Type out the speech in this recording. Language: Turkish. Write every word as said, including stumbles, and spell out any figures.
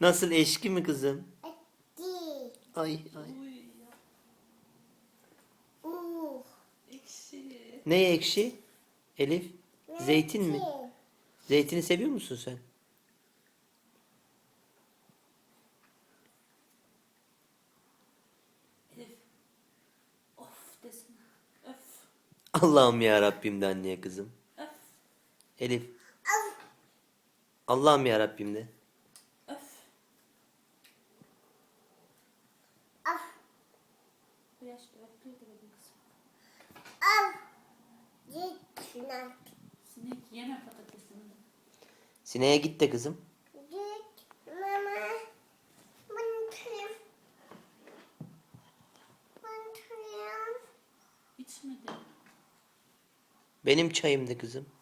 Nasıl, eşki mi kızım? Değil. Ay ay. Uy. Uh. Ekşi. Ne ekşi? Elif? Zeytin mi? Zeytin. Zeytini seviyor musun sen? Elif. Of desene. Öf. Allah'ım ya Rabbim de anneye kızım. Öf. Elif. Av. Allah'ım ya Rabbim de. Öf. Av. Bu yaşta öflüyor da benim kızım. Av. Gitmek. Sinek yeme patatesini de. Sineğe git de kızım. Git mama. Mantıyım. Mantıyım. İçmedi. Benim çayım de kızım.